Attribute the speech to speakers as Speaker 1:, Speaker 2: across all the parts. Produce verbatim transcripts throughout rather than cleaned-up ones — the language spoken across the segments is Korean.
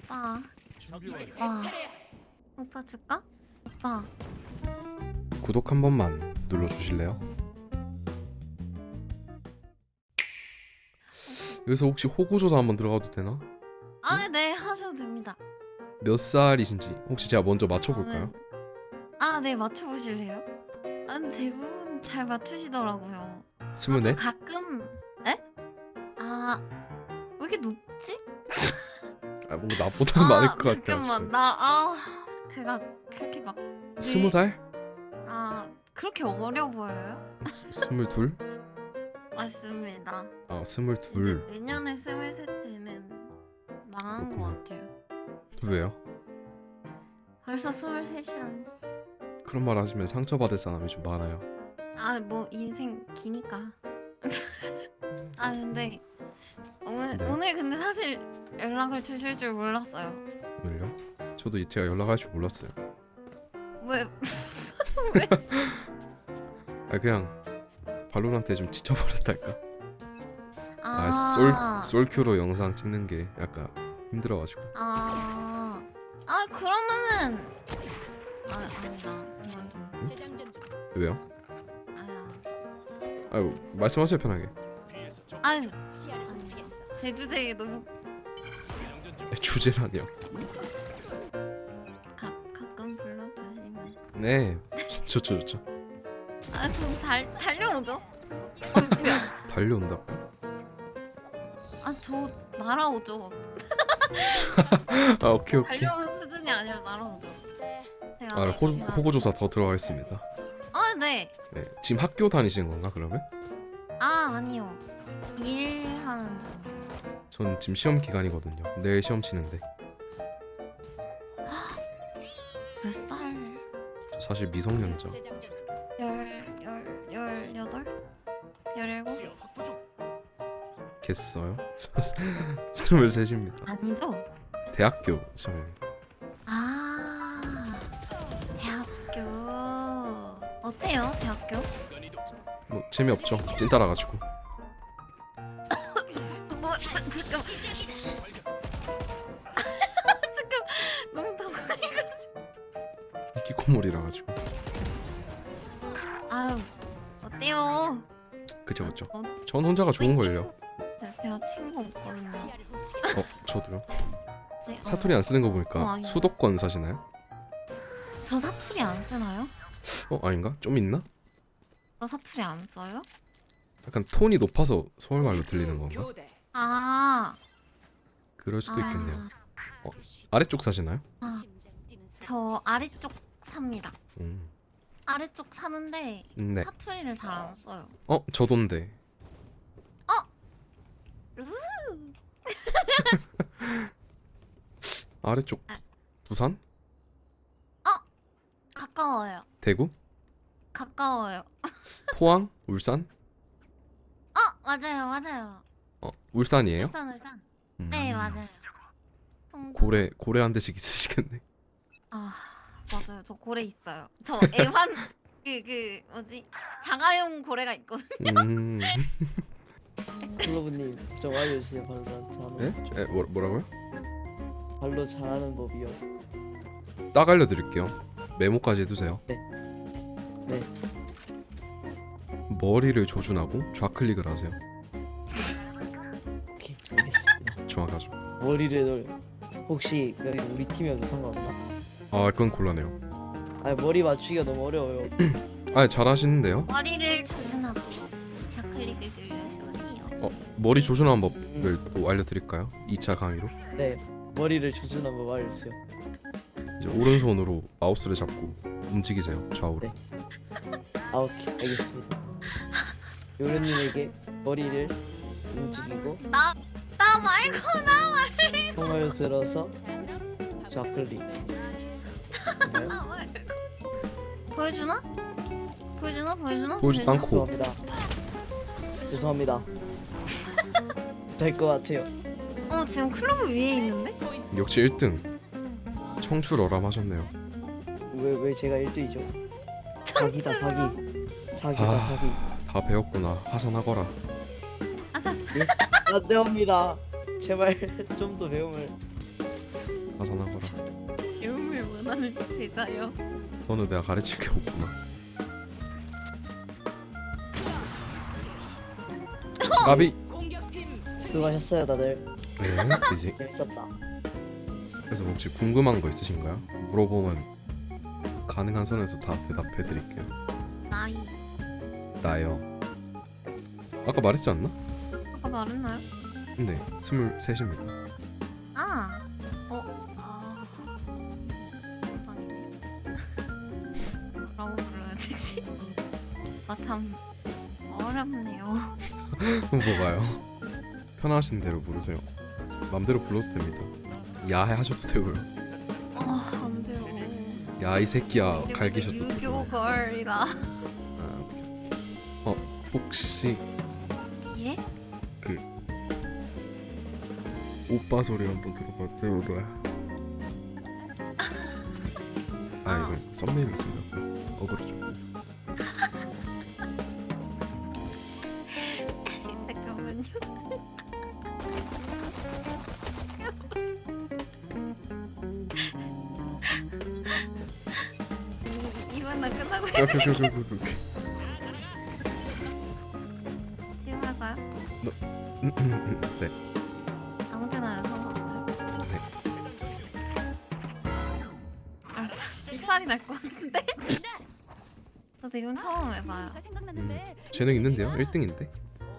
Speaker 1: 오빠. 와. 오빠 줄까? 오빠.
Speaker 2: 구독 한 번만 눌러주실래요? 여기서 혹시 호구조사 한번 들어가도 되나?
Speaker 1: 아, 네, 하셔도 됩니다.
Speaker 2: 몇 살이신지 혹시 제가 먼저 맞춰볼까요?
Speaker 1: 저는- 아, 네, 맞춰보실래요? 아, 근데 대부분 잘 맞추시더라고요.
Speaker 2: 스물네?
Speaker 1: 아, 저 가끔, 에? 아, 왜 이렇게 높지?
Speaker 2: 아 뭔가 나보다 많을 것 같아.
Speaker 1: 잠깐만, 나, 아, 제가 그렇게 막,
Speaker 2: 스무 살?
Speaker 1: 아, 그렇게 어려 보여요?
Speaker 2: 스- 스물둘?
Speaker 1: 맞습니다.
Speaker 2: 아 스물둘.
Speaker 1: 내년에 스물셋 때는 망한 것 같아요.
Speaker 2: 왜요?
Speaker 1: 벌써 스물셋이라니.
Speaker 2: 그런 말 하시면 상처받을 사람이 좀 많아요.
Speaker 1: 아, 뭐 인생 기니까. 아, 근데 오늘
Speaker 2: 네.
Speaker 1: 오늘 근데 사실 연락을 주실 줄 몰랐어요.
Speaker 2: 오늘요? 저도 제가 연락할 줄 몰랐어요.
Speaker 1: 왜?
Speaker 2: 아 그냥 발로란트에 좀 지쳐버렸달까?
Speaker 1: 아,
Speaker 2: 아솔 솔큐로 영상 찍는 게 약간 힘들어가지고.
Speaker 1: 아, 아 그러면은 아, 아니다. 이건 좀
Speaker 2: 왜요?
Speaker 1: 아야.
Speaker 2: 아유 말씀하세요 편하게.
Speaker 1: 아유, 제 주제에 너무
Speaker 2: 주제라니요.
Speaker 1: 가, 가끔 불러주시면.
Speaker 2: 네 좋죠 좋죠.
Speaker 1: 아, 좀 달 달려오죠? 어, 뭐야?
Speaker 2: 달려온다고요?
Speaker 1: 아, 저 날아오죠.
Speaker 2: 아 오케이 오케이.
Speaker 1: 달려오는 수준이 아니라 날아오죠. 제가
Speaker 2: 아 호,
Speaker 1: 제가-
Speaker 2: 호구조사 더 들어가겠습니다.
Speaker 1: 아, 네.
Speaker 2: 네 지금 학교 다니시는 건가 그러면?
Speaker 1: 아, 아니요. 일하는 중.
Speaker 2: 전 지금 시험 기간이거든요. 내일 시험 치는데
Speaker 1: 몇 살?
Speaker 2: 저 사실 미성년자.
Speaker 1: 열, 열, 열여덟? 열일곱?
Speaker 2: 겠어요? 스물셋입니다.
Speaker 1: 아니죠?
Speaker 2: 대학교 저는
Speaker 1: 아, 대학교. 어때요, 대학교?
Speaker 2: 뭐 재미없죠. 찐 따라가지고.
Speaker 1: 뭐, 잠깐. 잠깐, 너무 당황해가지고.
Speaker 2: 히키코모리라 가지고.
Speaker 1: 아유, 어때요?
Speaker 2: 그죠 그죠.
Speaker 1: 어,
Speaker 2: 전 혼자가 좋은 걸요.
Speaker 1: 네, 제가 친구 없거든요.
Speaker 2: 어 저도요.
Speaker 1: 제- 어,
Speaker 2: 사투리 안 쓰는 거
Speaker 1: 어,
Speaker 2: 보니까
Speaker 1: 아니요.
Speaker 2: 수도권 사시나요?
Speaker 1: 저 사투리 안 쓰나요?
Speaker 2: 어 아닌가? 좀 있나?
Speaker 1: 저 사투리 안 써요?
Speaker 2: 약간 톤이 높아서 서울말로 들리는 건가?
Speaker 1: 아,
Speaker 2: 그럴 수도 있겠네요.
Speaker 1: 아,
Speaker 2: 아래쪽 사시나요?
Speaker 1: 아, 저 아래쪽 삽니다.
Speaker 2: 음.
Speaker 1: 아래쪽 사는데
Speaker 2: 네.
Speaker 1: 사투리를 잘 안 써요.
Speaker 2: 어 저돈데. 아래쪽
Speaker 1: 아.
Speaker 2: 부산?
Speaker 1: 가까워요.
Speaker 2: 대구?
Speaker 1: 가까워요.
Speaker 2: 포항? 울산?
Speaker 1: 어, 맞아요, 맞아요.
Speaker 2: 어 울산이에요?
Speaker 1: 울산, 울산.
Speaker 2: 음.
Speaker 1: 네, 맞아요. 송도.
Speaker 2: 고래 고래 한 대씩 있으시겠네.
Speaker 1: 아, 맞아요. 저 고래 있어요. 저 애완 그 그 뭐지? 자가용 고래가 있거든.
Speaker 2: 음.
Speaker 3: 클로브님 좀 알려주세요. 발로란트 하는
Speaker 2: 네?
Speaker 3: 법 좀.
Speaker 2: 에, 뭐, 뭐라고요?
Speaker 3: 발로 잘하는 법이요.
Speaker 2: 딱 알려드릴게요. 메모까지 해두세요.
Speaker 3: 네. 네.
Speaker 2: 머리를 조준하고 좌클릭을 하세요.
Speaker 3: 오케이 알겠습니다.
Speaker 2: 정확하죠.
Speaker 3: 머리를 돌. 혹시 여기 우리 팀이어도 상관없나?
Speaker 2: 아 그건 곤란해요.
Speaker 3: 아 머리 맞추기가 너무 어려워요.
Speaker 2: 아 잘하시는데요?
Speaker 1: 머리를 조준하고 좌클릭을 눌러주세요.
Speaker 2: 어 머리 조준하는 법을 또 알려드릴까요? 이 차 강의로.
Speaker 3: 네. 머리를 조준 한번 알려주세요.
Speaker 2: 이제 오른손으로 마우스를 잡고 움직이세요 좌우로.
Speaker 3: 네. 아 오케이 알겠습니다. 요르님에게 머리를 움직이고
Speaker 1: 나, 나 말고 나 말고
Speaker 3: 통을 들어서 좌클릭. 네.
Speaker 1: 나 말고. 보여주나? 보여주나? 보여주나?
Speaker 2: 보여주지도 않고.
Speaker 3: 죄송합니다. 죄송합니다. 될 것 같아요.
Speaker 1: 어, 지금 클로브 위에 있는데?
Speaker 2: 역시 일 등. 청출어람 하셨네요.
Speaker 3: 왜 왜 제가 일 등이죠? 사기다 사기. 사기다
Speaker 2: 아.
Speaker 3: 사기.
Speaker 2: 다 배웠구나. 하산하거라.
Speaker 1: 아사.
Speaker 3: 안 됩니다. 제발 좀 더 배움을.
Speaker 2: 하산하거라.
Speaker 1: 배움을 원하는 제자요.
Speaker 2: 너는 내가 가르칠 게 없구나. 까비.
Speaker 3: 수고하셨어요 다들.
Speaker 2: 네, 이제
Speaker 3: 재밌었다.
Speaker 2: 그래서 혹시 궁금한 거 있으신가요? 물어보면 가능한 선에서 다 대답해 드릴게요.
Speaker 1: 나이.
Speaker 2: 나요. 아까 말했지 않나?
Speaker 1: 아까 말했나요?
Speaker 2: 네, 스물셋입니다.
Speaker 1: 아. 어. 아. 세상에. 뭐라고 불러야 되지? 아 참 어렵네요.
Speaker 2: 뭐가요? 편하신 대로 부르세요. 맘대로 불러도 됩니다. 야해 하셔도 되고요.
Speaker 1: 아, 안 돼요.
Speaker 2: 야 이 새끼야
Speaker 1: 그리고
Speaker 2: 갈기셔도
Speaker 1: 유교
Speaker 2: 되고요.
Speaker 1: 걸이라.
Speaker 2: 아, 어 혹시
Speaker 1: 예?
Speaker 2: 오빠 소리 한번 들어봐 들어봐. 아 이거 썸네일 있습니다. 어그로죠.
Speaker 1: 잠깐만요. 이- 이번 나 끝나고
Speaker 2: 오케이 오케이 오케이 오케이 오케이.
Speaker 1: 지금 할까요?
Speaker 2: 네.
Speaker 1: 아무 때나 해도 상관없나요?
Speaker 2: 네.
Speaker 1: 아, 삑살이 날 것 같은데? 저도 이건 처음 해봐요.
Speaker 2: 음, 재능 있는데요? 일 등인데?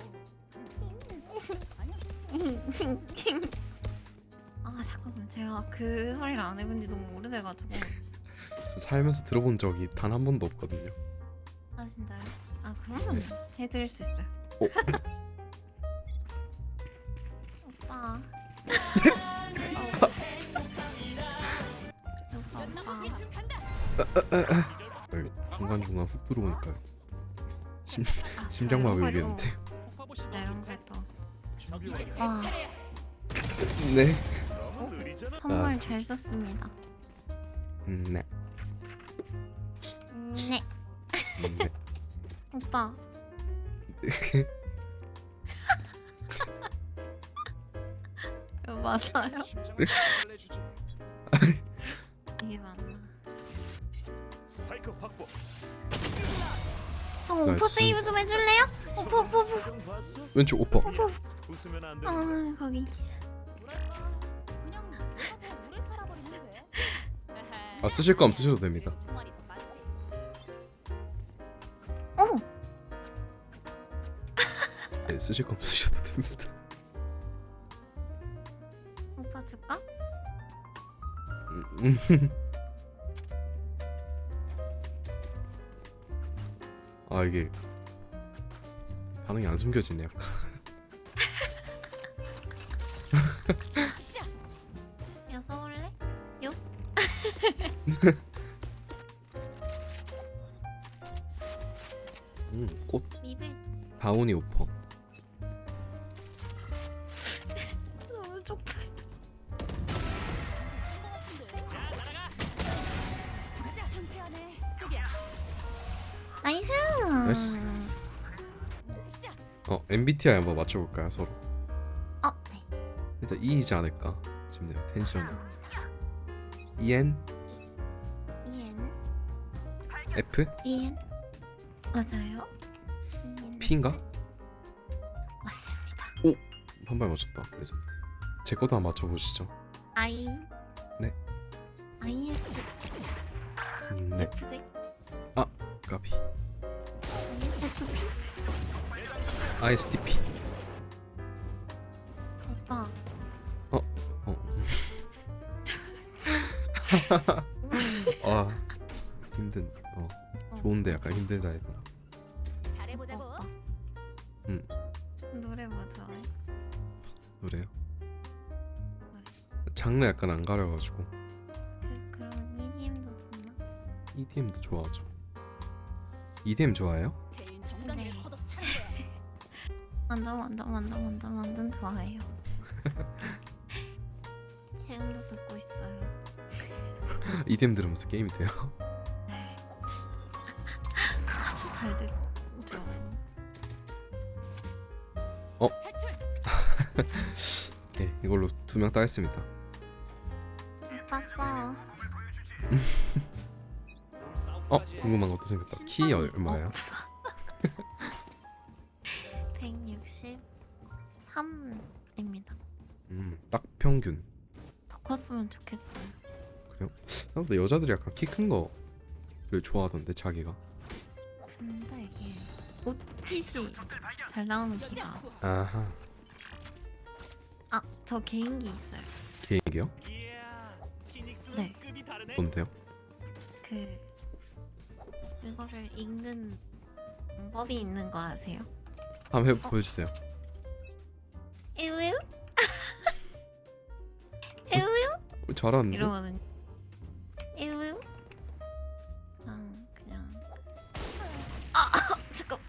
Speaker 1: 아 잠깐만, 제가 그 소리를 안 해본 지 너무 오래돼가지고.
Speaker 2: 저 살면서 들어본 적이 단 한 번도 없거든요.
Speaker 1: 아 진짜요? 아 그러면 해드릴 수 있어요.
Speaker 2: 어?
Speaker 1: 오빠. 오빠 오빠.
Speaker 2: 여기 중간중간 훅 들어오니까 심,
Speaker 1: 아,
Speaker 2: 심장마비
Speaker 1: 이런 거
Speaker 2: 오겠는데.
Speaker 1: 또- 네, 이런 거 또. 와,
Speaker 2: 네.
Speaker 1: 선물 잘 썼습니다.
Speaker 2: 음, 네.
Speaker 1: 음, 네.
Speaker 2: 음, 네.
Speaker 1: 오빠. 이거 맞아요? 이게 맞나?
Speaker 4: 스파이크 확보.
Speaker 1: 저 오빠
Speaker 2: 나이스.
Speaker 1: 세이브 좀 해줄래요? 오빠 오빠 오빠
Speaker 4: 형 봤어?
Speaker 2: 왼쪽 오빠.
Speaker 1: 오빠.
Speaker 4: 웃으면 안 돼.
Speaker 1: 아 거기.
Speaker 2: 아 쓰실 거면 쓰셔도 됩니다.
Speaker 1: 오.
Speaker 2: 네, 쓰실 거면 쓰셔도 됩니다.
Speaker 1: 오빠 줄까?
Speaker 2: 음, 음. 아 이게 반응이 안 숨겨지네 약간.
Speaker 1: 야 써볼래? 요?
Speaker 2: 음, 꽃
Speaker 1: 리벨.
Speaker 2: 다운이 오퍼.
Speaker 1: 너무 쪽팔. 나이스.
Speaker 2: 나이스. 어 엠비티아이 한번 맞춰볼까요 서로?
Speaker 1: 어 네.
Speaker 2: 일단 E이지 않을까 싶네요. 텐션이. 이엔
Speaker 1: 이엔.
Speaker 2: F
Speaker 1: 이엔. 맞아요. 이엔.
Speaker 2: P인가?
Speaker 1: 맞습니다.
Speaker 2: 한 발 맞췄다. 레전드. 제 것도 한번 맞춰보시죠.
Speaker 1: I.
Speaker 2: 네.
Speaker 1: 아이에스.
Speaker 2: 음, 네.
Speaker 1: 에프지.
Speaker 2: 까비.
Speaker 1: 아이에스에프피.
Speaker 2: 아이에스티피.
Speaker 1: 오빠.
Speaker 2: 어. 아 힘든. 어 좋은데 약간 힘들다 이거.
Speaker 5: 잘해보자고.
Speaker 1: 오빠.
Speaker 2: 음.
Speaker 1: 노래 뭐 좋아해?
Speaker 2: 노래요? 장르 약간 안 가려가지고
Speaker 1: 그 그럼 이디엠도 듣나?
Speaker 2: 이디엠도 좋아하죠. 이디엠 좋아해요?
Speaker 5: 제일 정강이를
Speaker 1: 네.
Speaker 5: 걷어 차는 거야.
Speaker 1: 완전 완전 완전 완전 완전 좋아해요. 지금도 듣고 있어요.
Speaker 2: 이디엠 들으면서 게임이 돼요?
Speaker 1: 네. 아주 잘 듣죠.
Speaker 5: 탈출.
Speaker 2: 네 이걸로 두 명 따겠습니다.
Speaker 1: 바빴어.
Speaker 2: 어 궁금한 것도 생겼다. 키 얼마예요?
Speaker 1: 백육십삼입니다.
Speaker 2: 음딱 평균.
Speaker 1: 더 컸으면 좋겠어요.
Speaker 2: 생각보다 여자들이 약간 키 큰 거를 좋아하던데 자기가.
Speaker 1: 근데 이게 옷핏이 잘 나오는 키가.
Speaker 2: 아하.
Speaker 1: 아, 저 개인기 있어요.
Speaker 2: 개인기요?
Speaker 1: 네.
Speaker 2: 뭔데요?
Speaker 1: 그 그거를 읽는 방법이 있는 거 아세요?
Speaker 2: 한번 해 보여주세요.
Speaker 1: 에우에우? 에우에우?
Speaker 2: 어, 잘하는데?
Speaker 1: 이러거든요. 에우에우? 그냥 그냥 아 잠깐.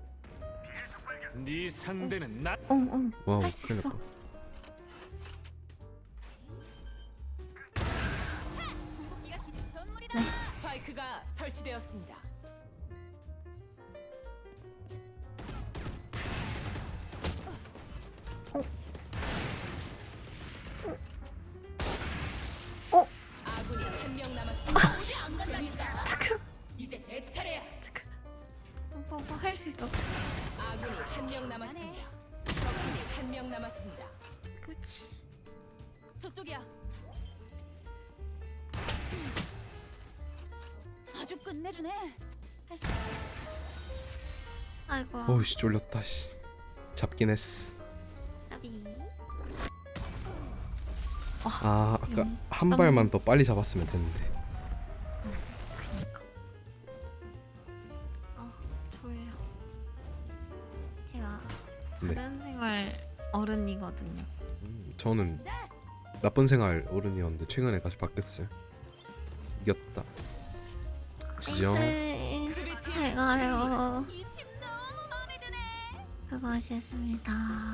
Speaker 4: 네 상대는 나.
Speaker 1: 엉엉
Speaker 2: 와우
Speaker 1: 할 수 있어.
Speaker 2: 생겼다.
Speaker 5: 궁극기가 기- 전물이다.
Speaker 1: 나이스.
Speaker 5: 스파이크가 설치되었습니다.
Speaker 1: 어?
Speaker 5: 아군이 한 명 남았습니다. 재밌다.
Speaker 1: 잠깐.
Speaker 5: 이제 내 차례야.
Speaker 1: 뭐뭐 할 수 있어.
Speaker 5: 아군이 한 명 남았습니다. 적군이 한 명 남았습니다.
Speaker 1: 그렇지.
Speaker 5: 저쪽이야. 아주 끝내주네. 할 수.
Speaker 1: 아이고.
Speaker 2: 어우씨 쫄렸다 씨. 잡긴 했어.
Speaker 1: 까비.
Speaker 2: 아 아까
Speaker 1: 음,
Speaker 2: 한
Speaker 1: 땀-
Speaker 2: 발만 더 빨리 잡았으면 됐는데.
Speaker 1: 그니까. 아 졸려. 제가
Speaker 2: 네.
Speaker 1: 다른 생활 어른이거든요.
Speaker 2: 음, 저는 나쁜 생활 어른이었는데 최근에 다시 바뀌었어요. 이겼다. 지정.
Speaker 1: 나이스. 잘 가요.
Speaker 5: 이 집 너무 마음에 드네.
Speaker 1: 수고하셨습니다.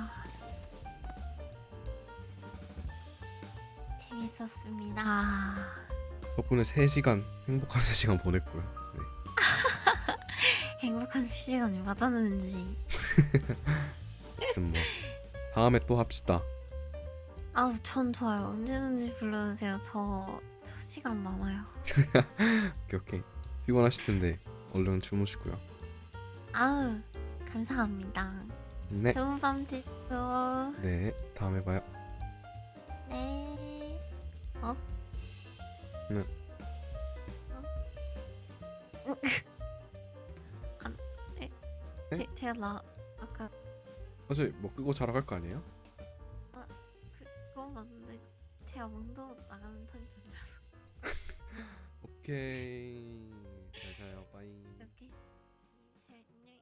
Speaker 1: 재밌었습니다.
Speaker 2: 덕분에 세 시간 행복한 세 시간 보냈고요. 네.
Speaker 1: 행복한 시간이 맞았는지.
Speaker 2: 그럼 뭐 다음에 또 합시다.
Speaker 1: 아우 전 좋아요. 언제든지 불러주세요. 저, 저 시간 많아요.
Speaker 2: 오케이 오케이. 피곤하실 텐데 얼른 주무시고요.
Speaker 1: 아우 감사합니다.
Speaker 2: 네.
Speaker 1: 좋은 밤 되세요.
Speaker 2: 네. 다음에 봐요.
Speaker 1: 네. 어?
Speaker 2: 네.
Speaker 1: 어? 아, 네.
Speaker 2: 네?
Speaker 1: 제, 제가 나 아까
Speaker 2: 사실 뭐 끄고 자러 갈 거 아니에요?
Speaker 1: 그, 그거 맞는데 제가 먼저 나가는 타입이라서.
Speaker 2: 오케이. 잘 자요. 빠이.
Speaker 1: 이렇게 제 안녕히